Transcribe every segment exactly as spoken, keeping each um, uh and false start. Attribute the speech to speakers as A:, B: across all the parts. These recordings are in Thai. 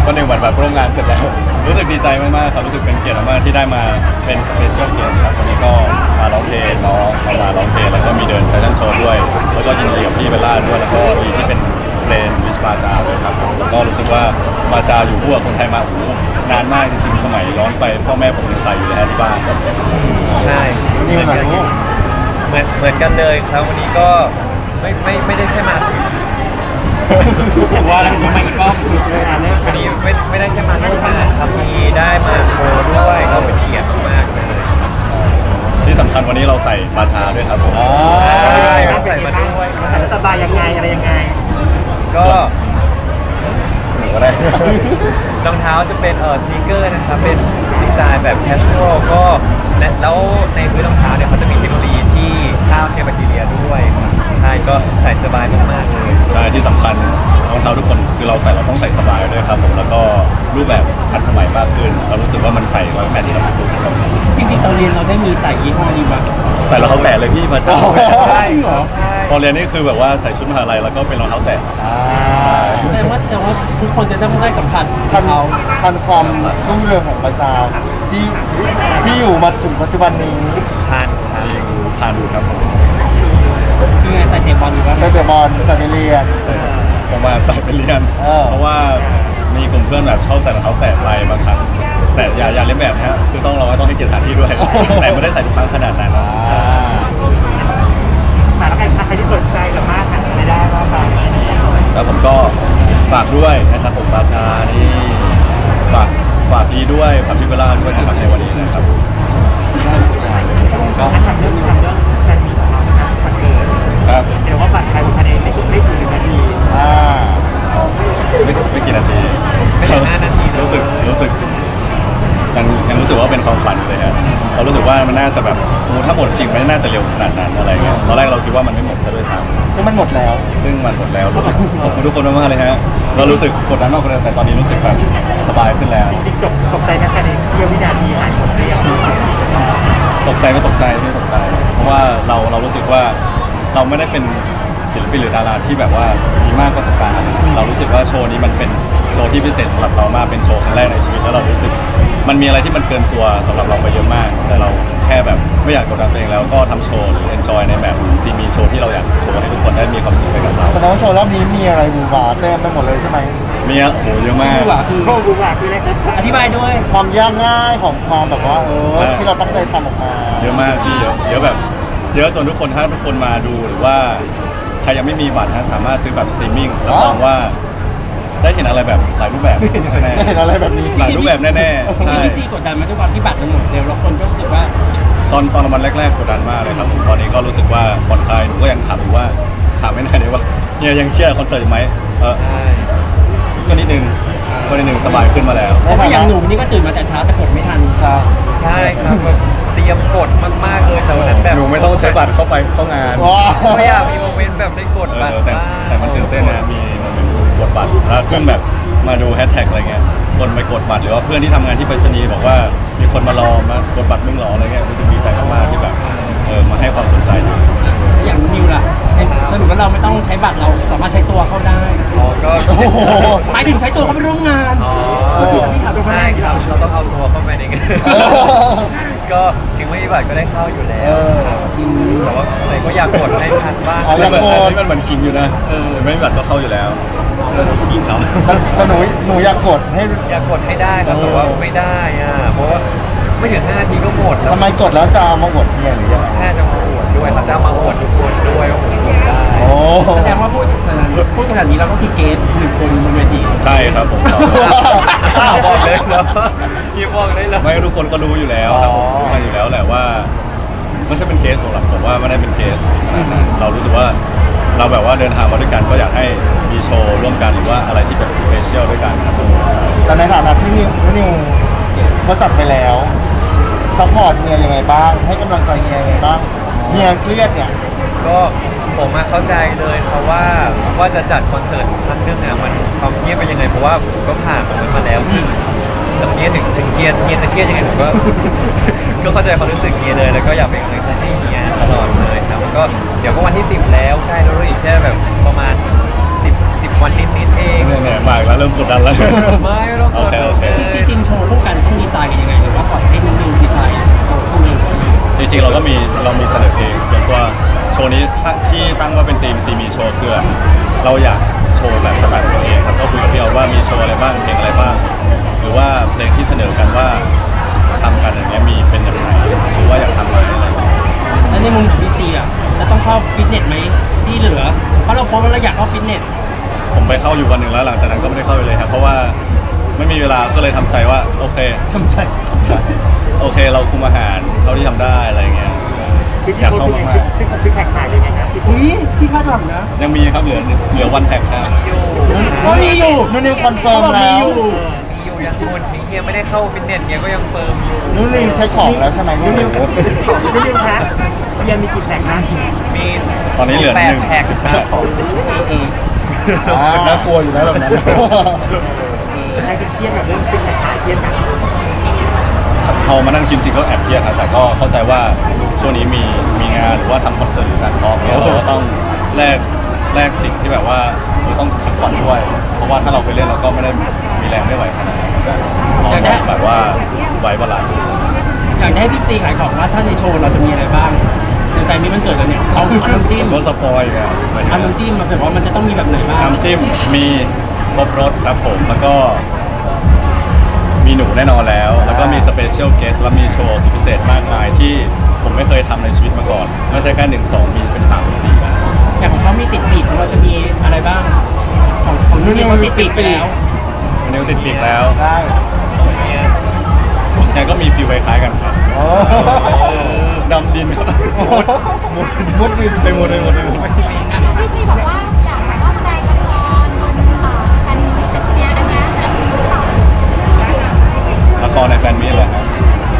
A: วันหนึ่งวันแบบร่วมงานเสร็จแล้วรู้สึกดีใจมากๆครับรู้สึกเป็นเกียรติมากๆที่ได้มาเป็นสเปเชียลเกสครับวันนี้ก็มาร้องเพลงน้องมามาร้องเพลงแล้วก็มีเดินแฟชั่นโชว์ด้วยแล้วก็ยินดีกับพี่เบลล่าด้วยแล้วก็ดีที่เป็นเพลงวิชบาจาด้วยครับแล้วก็รู้สึกว่าบาจาอยู่คู่กับคนไทยมาโอ้โหนานมากจริงๆสมัยย้อนไปพ่อแม่ผมยังใส่อยู่เลยฮะที่บ้าน
B: ใช่เหมือนกันเหมือนเหมือนกันเลยครับวันนี้ก็ไม่ไม่ไม่ได้แค่มา
C: ว่าแล้วทำไมอีกรอบเลยอ่ะเนี่ย
B: วันนี้ไม่ไม่ได้แค่มาร่วมงานครับมีได้มาโชว์ด้วยก็เป็นเกียรติมากเลย
A: ที่สำคัญวันนี้เราใส่บาชาด้วยครับผม
B: ใช่ต้องใส่มาด้วย
C: ใส่แล้วสบายยังไงอะไรยังไง
B: ก็
A: หนูก็ได้
B: รองเท้าจะเป็นเออสนีกเกอร์นะครับเป็นดีไซน์แบบแคชชวลก็และแล้วในพื้นรองเท้าเนี่ยเขาจะมีเทคโนโลยีที่ฆ่าเชื้อแบคทีเรียด้วยครับใช่ก็ใส่สบายมากๆเลย
A: ใช่ที่สำคัญรองเท้าทุกคนคือเราใส่เราต้องใส่สบายด้วยครับผมแล้วก็รูปแบบทันสมัยมากขึ้นเรารู้สึกว่ามันใส่ก็แมทที่เราพูดครับ
C: จริงๆตอนเรียนเราได้มีใส่ยี่ห้อนี้มั้ย
A: ใส่รองเท้าแตะเลยพี่มาจ้า
B: ใช่เหรอใช่
A: ตอนเรียนนี่คือแบบว่าใส่ชุดมหาลัยแล้วก็เป็นรองเท้าแตะ
C: แสดงว่าแต่ว่าทุกคนจะต้องได้สัมผัส
D: ทันทันความรุ่งเรืองของประจาที่ที่อยู่มาถึงปัจจุบันนี้
B: ทานทาน
A: จริงผ่านดูครับผม
C: คือไงใส่เตะบอลอยู่บ้าง
D: ตั้งแต่บอลใส่ไปเรียน
A: ผมมาใส่ไปเรียน
D: เออ
A: เพราะว่ามีกลุ่มเพื่อนแบบชอบใส่รองเท้าแตะไปบางครั้งแต่อย่าอย่าเล่นแบบนะฮะคือต้องเราก็ต้องให้เกียรติสถานที่ด้วย แต่ไม่ได้ใส่ทุกครั้งขนาดนั้น
D: อ่า
C: แต่แล้วใครใครที่สนใจสามารถหาอะไรได้บ้างครับ
A: แล้วผมก็ฝากด้วยนะครับผมบาชานี่ฝากฝากพี่ด้วยฝากพี่เบลล่าด้วยนะครับในวันนี้นะครับ
C: ก็ทำเรื่องทำเรื่องแฟนมีของเรานะครับบัตรเกิด
A: ครับ
C: เดี๋ยวว่าบัตรใครภายในไม่ไม่ถึงหนึ่งนาที
D: อ่า
A: ไม่ไม่กี่นาที
B: ไม่ถึงห้านาทีนะ
A: รู้สึกรู้สึกยังยังรู้สึกว่าเป็นความฝันอยู่เลยครับเรารู้สึกว่ามันน่าจะแบบสมมติถ้าหมดจริงมันน่าจะเร็วขนาดนั้นอะไรเงี้ยตอนแรกเราคิดว่ามันไม่หมดซะด้วยซ้
D: ซึ่งมันหมดแล้ว
A: ำซึ่งมันหมดแล้วรู้สึกขอบคุณทุกคนมากๆเลยฮะเรารู้สึกกดดันมากกว่าเดิมแต่ตอนนี้รู้สึกแบบสบายขึ้นแล้ว
C: จริงๆตกตกใจนะแค่ในเพี้ยววินาทีหายหมดเรียบ
A: ตกใจไม่ตกใจไม่ตกใจ เพราะว่าเราเรารู้สึกว่าเราไม่ได้เป็นศิลปินหรือดาราที่แบบว่ามีมากประสบการณ์เรารู้สึกว่าโชว์นี้มันเป็นโชว์ที่พิเศษสำหรับเรามากเป็นโชว์ครั้งแรกในชีวิตแล้วเรารู้สึกมันมีอะไรที่มันเกินตัวสำหรับเราไปเยอะมาก แต่เราแค่แบบไม่อยากกดดันตัวเองแล้วก็ทำโชว์หรือ enjoy ในแบบซีมีโชว์ที่เราอยากโชว์ให้ทุกคนได้มีความสุขไปกับเรา
D: แสดงว่าโชว์รอบนี้มีอะไรบูบาเต็มไปหมดเลยใช่ไหม
A: มีอะโอ้โหเยอะมาก
C: กูอ่ะคือโชว์กูอ่ะคืออะไรอธิบายด้วย
D: ความยากง่ายของความแบบว่าเออ
A: ใช่
D: ที่เราตั้งใจทำออกมา
A: เยอะมากพี่เยอะเยอะแบบเยอะจนทุกคนถ้าทุกคนมาดูหรือว่าใครยังไม่มีบัตรนะสามารถซื้อแบบสตรีมมิ่งรับรองว่าได้เห็นอะไรแบบหลายรูปแบบแน่
D: ได้เห็นอะไรแบบนี้
A: หลายรูปแบบแน่ๆใช่
C: พี่ซี่กดดันมาด้วยความที่บัตรมันหมดเร็วแล้วคนก็รู้สึกว่า
A: ตอนตอนวันแรกๆกดดันมากเลยครับผมตอนนี้ก็รู้สึกว่าผ่อนคลายหนูก็ยังถามอยู่ว่าถามไม่ได้เลยว่าเฮียยังเครียดคอนเสิร์ตอยู่ไหมเออ
B: ใช่
A: ก็นิดนึงก็นิดนึงสบายขึ้นมาแล้ว
C: เพราะว่าอย่างหนุ่มนี่ก็ตื่นมาแต่เช้าแต่กดไม่ทัน
D: ใช่
B: ใช่ครับแบบเตรียมกดมากๆเลยแต่วันนั้นแบบ
A: หนูไม่ต้องใช้บัตรเข้าไปเข้างาน
D: ว้า
B: ไม่อยากมีโมเมนต์แบบได้กด
A: เอ
B: บัตร
A: อแต่
B: บ้าง
A: แต่มันตื่นเต้นนะมีโมเมนต์กดบัตรแล้วขึ้นแบบมาดูแฮชแท็กอะไรเงี้ยคนไปกดบัตรหรือว่าเพื่อนที่ทำงานที่ไปรษณีย์บอกว่ามีคนมารอมากดบัตรมึงเหรออะไรเงี้ยรู้สึกดีใจมากๆที่แบบเออมาให้ความสนใจดี
C: อย่างนิวล่ะสรุปว่าเราไม่ต้องใช้บัตรเราสามารถใช้ตัวเข้าได้
B: อ๋อก็
D: โอ้โห
C: หมายถึงใช้ตัวเขาไปร่วมงาน
B: อ๋อใช่ครับเราต้องเอาตัวเข้าไปในงาน
D: เออ
B: ก็ถึงไม่มีบัตรก็ได้เข้าอยู่แล้
D: เอ
B: ว
D: อ
B: แต่ว่าอะไรก็อยากกดให้ทันบ้าง
D: อ๋อ
A: อันนี้เหมือนอันนี้มันเหมือนคิงอยู่นะเออไม่มีบัตรก็เข้าอยู่แล้วคิงเขา
D: แต่หนูหนูอยากกดให้
B: อยากกดให้ได้ครับแต่ว่าไม่ได้อ่ะเพราะว่าไม่ถึงห้านาทีก็หมดแล้ว
D: ทำไมกดแล้วจะเอามาอวดเนี่ยหรือยังไง
B: แค่จะมาอวดด้วยเขาจะมาอวดทุกคนด้วยว่าผมกดได้
D: โอ้
C: แสดงว่าพูดขนาดนี้พูดขนาดนี้เราก็คือเกสหนึ่งคนบนเวที
A: ใช่ครับผม
B: อ้าวบอกเลยเหรอพี่บอกได้เลย
A: ไม่ทุกคนก็รู้อยู่แล้วครับผมรู้กันอยู่แล้วแหละว่าไม่ใช่เป็นเคสของเราผมว่าไม่ได้เป็นเคสขนาดนั้นเรารู้สึกว่าเราแบบว่าเดินทางมาด้วยกันก็อยากให้มีโชว์ร่วมกันหรือว่าอะไรที่แบบสเปเชียลด้วยกันครับผม
D: แต่ในฐานะที่นิวนิวเขาจัดไปแล้วซัพพอร์ตเฮียยังไงบ้าง ให้กำลังใจเฮียยังไงบ้างเฮียเครียดเนี่ย
B: ก็ผมมาเข้าใจเลยครับว่าว่าจะจัดคอนเสิร์ตครั้งหนึงอ่ะมันความเครียดเป็นยังไงเพราะว่าผมก็ผ่านตรงนั้นมาแล้วซึ่งแต่วันนี้ถึงถึงเครียดเฮียจะเครียดยังไงผมก็ ก็เข้าใจความรู้สึกเฮียเลยแล้วก็อยากเป็นกำลังใจให้เฮียตลอดเลยครับแล้วก็เดี๋ยวก็วันที่สิบแล้วใช่แล้วอีกแค่แบบประมาณสิบ สิบวันนิดๆเอง
A: เหนื่อยๆมากแล้วเริ่มกดดันแล้ว
B: ไม่ต้องกด
A: โอเคโอเค
C: จริงๆโชว์คู่กันต้องดีไซน์กันยังไงหรือว่าปล่อยให้นิวดีไซน์โชว์คู่นี้
A: จริงๆเราก็มีเรามีเสนอเพลงส่วนตัวโชว์นี้ตั้งที่ตั้งว่าเป็นทีมซีมีโชว์คือเราอยากโชว์แบบสไตล์ของตัวเองครับก็คุยกับพี่เอาว่ามีโชว์อะไรบ้างเพลงอะไรบ้าง หรือว่าเพลงที่เสนอกันว่าทำกันอย่างเงี้ยมีเป็นอย่างไรหรือว่าอยากทำอะไรอะไรอย่างเงี้ย
C: แล้วในมุมของพี่ซีอ่ะจะต้องเข้าฟิตเนสไหมที่เหลือเพราะเราโพสต์ว่าเราอยากเข้าฟิตเนส
A: ผมไปเข้าอยู่วันหนึ่งแล้วหลังจากนั้นก็ไม่ได้เข้าไปเลยครับเพราะว่าไม่มีเวลาก็เลยทำใจว่าโอเค
C: ทำใจ
A: โอเคเราคุมอาหารเท่าที่ทำได้อะไรอย่างเงี้ยอยากเข้ามาก
E: ซิกซิกแพคหายยังไงครับพี่
C: อุ้ยพี่คาดหวังนะ
A: ๆยังมีครับเหลือเหลือวันแท็กครับ
B: อยู่
C: ก็มีอยู่
D: นุ่นนิวคอนเฟิร์ม
C: ขาบอก
D: แล้ว
C: อยู่
B: มีอยู่ยังคนนี้เฮียไม่ได้เข้าฟิตเนสเฮียก็ยังเฟิร์มอยู่
D: นุ่นนิวใช้ของแล้วใช่ไหมนุ่นนิว
E: พี่นิวฮะเบียร์มีกี่แพคนะ
B: มี
A: ตอนนี้เหลือ
B: แป
A: ห
B: ด
A: นึ่ง
B: แพ็ค
A: สิบ
B: ค
A: ห้า
B: รับผม
A: น่ากลัวอยู่นะแบบนั้น
E: ใครจะเครียดกับเรื่องซิกแพคหายเครียดกัน
A: พอมานั่งกินจริงก็แอบเครียดครับแต่ก็เข้าใจว่าช่วงนี้มีมีงานหรือว่าทำคอนเสิร์ตหรือการซ้อมเนี่ยเราก็ต้องแลกแลกสิ่งที่แบบว่าเราต้องพักผ่อนด้วย เพราะว่าถ้าเราไปเล่นเราก็ไม่ได้มีแรงไม่ไหวขนาดนั้นเราต้องแบบว่าไว้บาลานซ์
C: อยากจะให้พี่ซีขายของว่าถ้าในโชว์เราจะมีอะไรบ้างในใจมีมันเกิดแล้วเนี่ยเอาเอาน้ำจิ้ม
A: ผมก็สปอยล์กัน
C: เอาน้ำจิ้มมาแบบว่ามันจะต้องมีแบบไหนบ้าง
A: น้ำจิ้มมีครบรสครับผมแล้วก็มีหนูแน่นอนแล้ว แล้วก็มีสเปเชียลเกสและมีโชว์สุดพิเศษมากมายที่ผมไม่เคยทำในชีวิตมาก่อนไม่ใช่แค่หนึ่งสองมีเป็นสามเป็นสี่นะ
C: อย่างของเขามีติดปีกของเราจะมีอะไรบ้าง ของของนุ่นเนี่ยมันติดปีกไปแล้ว
A: วันนี้ติดปีกแล้ว
D: ได้
A: เนี่ยก็มีฟิวคล้ายๆกันครับ
D: โอ้
A: ดำดินครับ
D: มุดมุดดิน
A: ไปหมดเลยหมดเลย
F: พี่ซีบอกว่าอยากแบบว่าแสดงละครบนเอ่อแผ่นเนี้ยอันเนี้ยจะมีหรือเปล่า
A: ละครในแฟนมีตเหรอครับ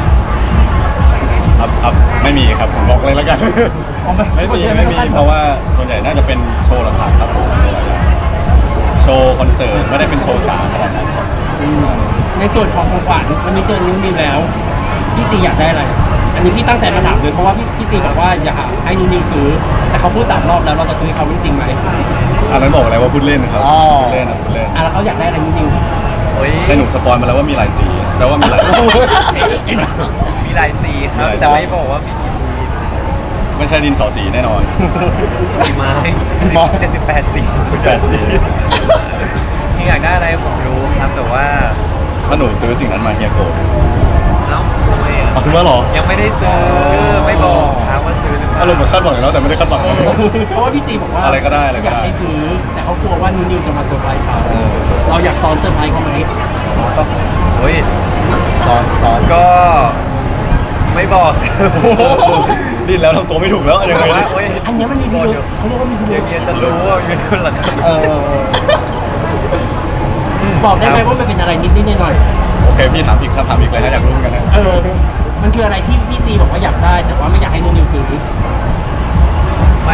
A: ครับครับไม่มีครับผมบอกเลยแล้วกัน
C: อ๋อไม่
A: ไม่มีไม่มีเพราะว่าส่วนใหญ่น่าจะเป็นโชว์หลักๆครับผมโชว์คอนเสิร์ตไม่ได้เป็นโชว์จ๋าขนาดนั้นครับ
C: ในส่วนของของขวัญวันนี้เจอนิ้วนิวแล้ว พี่ซีอยากได้อะไร อันนี้พี่ตั้งใจมาถามเลยเพราะว่าพี่พี่ซีบอกว่าอยากให้นิ้วนิวซื้อ แต่เขาพูดสามรอบแล้วเราจะซื้อเขาจริงๆไหม
A: อันนั้นบอกอะไรว่าพูดเล่นนะครับพูดเล่นนะพูดเล่น
C: อ่ะแล้วเขาอยากได้อะไรนิ้วนิว
B: โอ้ย
A: ได้หนุ่มสปอยมาแล้วว่ามีหลายสีแปลว่ามีหลายสี
B: มีหลายสีครับ แต่ไม่บอกว่ามีกี่สี
A: ไม่ใช่ดินสอสีแน่นอน
B: สีไม้เจ็ดสิบแปดสี
A: แปดสี
B: ที่อยากได้อะไรผมรู้ครับแต่ว่า
A: ถ้าหนูซื้อสิ่งนั้นมาเฮียโกรธ
B: เอ้าทำไมอ่ะ
A: เอาซื้อมาหรอ
B: ยังไม่ได้ซื้อไม่บอกครับว่าซื้อหรือเปล่า
A: อารมณ์เหมือนคาดหวังแล้วแต่ไม่ได้คาดหวัง
C: เพราะว่าพี่ซีบอกว่า
A: อะไรก็ได้อะไรก็
C: อยาก
A: ได้
C: ให้ซื้อ แต่เขากลัวว่านิ้วนิวจะมาเซอร์ไพรส์เขาเราอยากซ้อนเซอร์ไพรส์เขาไหม
B: ก็โอ้ย
D: ตอนตอน
B: ก็ไม่บอก
A: ดิ้นแล้วทำตัวไม่ถูกแล้วยังไง
B: แต่ว่า
A: เนี่ย
B: โอ้ย
C: อันเนี้ยมันมีพิรุธเขาเรียกว่ามีพิรุ
B: เดี๋ยว
C: ธ
B: เฮียจะรู้ว่าอยู่นู่นหรอครับ
D: เออ
C: บอกได้ไหมว่ามันเป็นอะไรนิดๆหน่อย
A: โอเคพี่ถามอีกคำถามอีกเลยถ้าอยากรู้เหมือนกันนะ
C: ๆเออ มันคืออะไรที่พี่ซีบอกว่าอยากได้ แต่ว่าไม่อยากให้นิ้วนิวซื้อ
B: มัน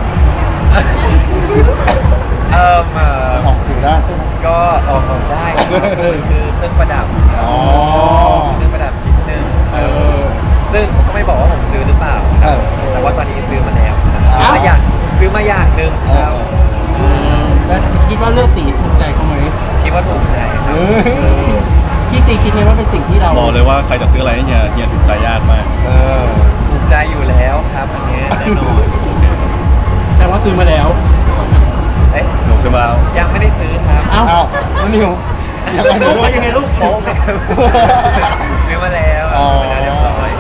B: เอ่อเอ่อ
D: ออกสื่อได้ใช่ไหม
B: ก็ออกของได้คือคือเครื่องประดับ
D: อ๋อ
B: เครื่องประดับชิ้นหนึ่ง
C: เออ
B: ซึ่งผมก็ไม่บอกว่าผมซื้อหรือเปล่า
D: เออ
B: แต่ว่าตอนนี้ซื้อมาแล้วครับซื้อ
C: อ้าว
B: มาอย่างซื้อมาอย่างหนึ่ง
D: เอ
B: ครับ
D: อ
C: แล้วคิดว่าเลือกสีถูกใจเขาไหม
B: คิดว่าถูกใจค
D: เอ
B: รับ
D: อ
C: พี่ซีคิดไหมว่าเป็นสิ่งที่เรา
A: บอกเลยว่าใครจะซื้ออะไรให้เฮียเฮียถูกใจยากมาก
D: เออ
B: ถูกใจอยู่แล้วครับอันนี้แน่นอน
C: แต่ว่าซื้อมาแล้ว
B: เอ๊ะ
A: หนูซื้อมาแล้ว
B: ยังไม่ได้ซื้อครับ
C: เอ้า
D: อ้าวนุ่นนิวยังไง
C: ลู
D: นุ่
C: กว่ายังไงลูก
B: โป๊ะไหมครับซื้อมาแล้ว
D: อ๋อ
B: ซื้อมาแล้วเรียบร้อย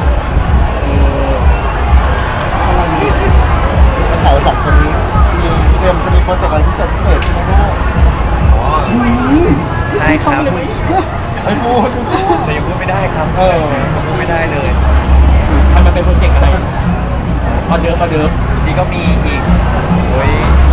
D: แล้วข่าวสองคนนี้มีเตรียมจะมีโปรเจกต์อะไรพิเศษพิเศษใช่ไหมลูก
B: อ๋อใช่ครับ
D: ไม่พูดไม่พูด
B: แต่ยังพูดไม่ได้ครับ
D: เออ
B: ยังพูดไม่ได้เลย
C: ทำมาเป็นโปรเจกต์อะไรออเดิร์ฟออเดิร์ฟ
B: จริงๆก็มีอีกโอ้ย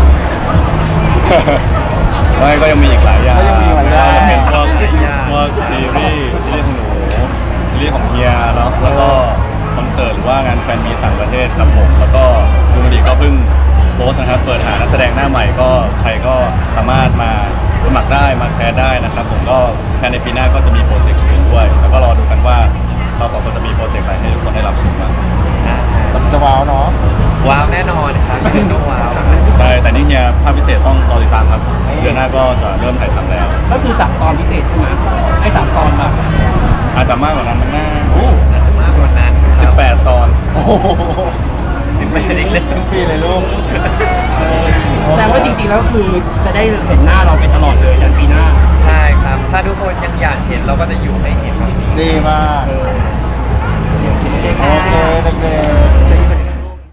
A: ไม่ก็ยังมีอีกหลายอย่าง
D: ก็ยังมีหลายอย่าง
A: ก็จะเป็นพวก
B: หลายอย่าง
A: พวกซีรีส์ซีรีส์ของหนูซีรีส์ของเฮียเนาะแล้วก็คอนเสิร์ตหรือว่างานแฟนมีตต่างประเทศครับผมแล้วก็ดูมันดีก็เพิ่งโพสต์นะครับเปิดหานักแสดงหน้าใหม่ก็ใครก็สามารถมาสมัครได้มาแคสได้นะครับผมก็ภายในปีหน้าก็จะมีโปรเจกต์อื่นด้วย แล้วก็รอดูกันว่าเราสองคนจะมีโปรเจกต์อะไรให้ทุกคนได้รับชมบ้าง
B: ใช่
D: จะว้าวเนาะ
B: ว้าวแน่นอนครับยังไงก็ว้าว
A: ใช่แต่นี่เฮียภาพพิเศษต้องรอติดตามครับเดือนหน้าก็จะเริ่มถ่ายทำแล้ว
C: ก็คือสามตอนพิเศษใช่ไหมไอ้สามตอนแบบ
A: อาจจะมากกว่านั้นมั้งนะ
B: อาจจะมากกว่านั้นค
A: สิ
B: รั
A: บบ แปดตอน
D: โอ้โห
B: สิบแปดอีกเลย
D: ทุกปีเลยลูก
C: แสดงว่าจริงๆแล้วคือจะได้เห็นหน้าเราไปตลอดเลยยันปีหน้า
B: ใช่ครับ ถ้าทุกคนยังอยากเห็นเราก็จะอยู่ให้เห็นแบบนี้
D: ดีมาก โอเคเด็ก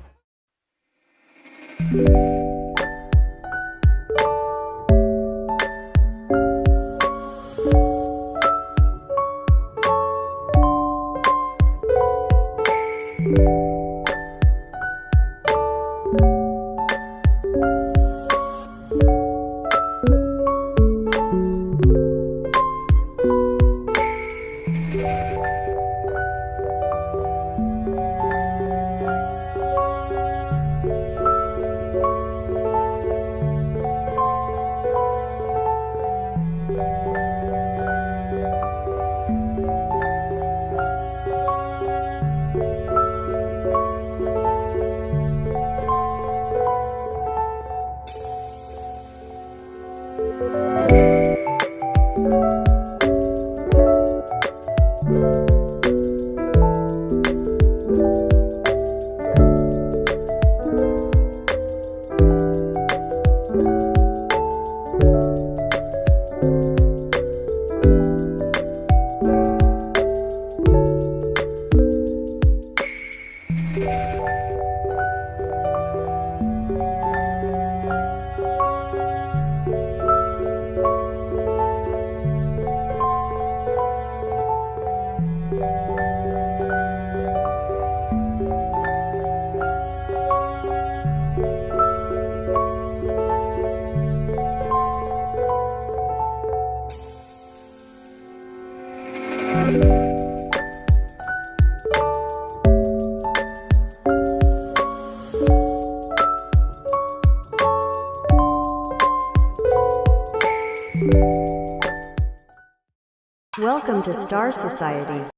D: ๆ
G: Welcome to Star Society.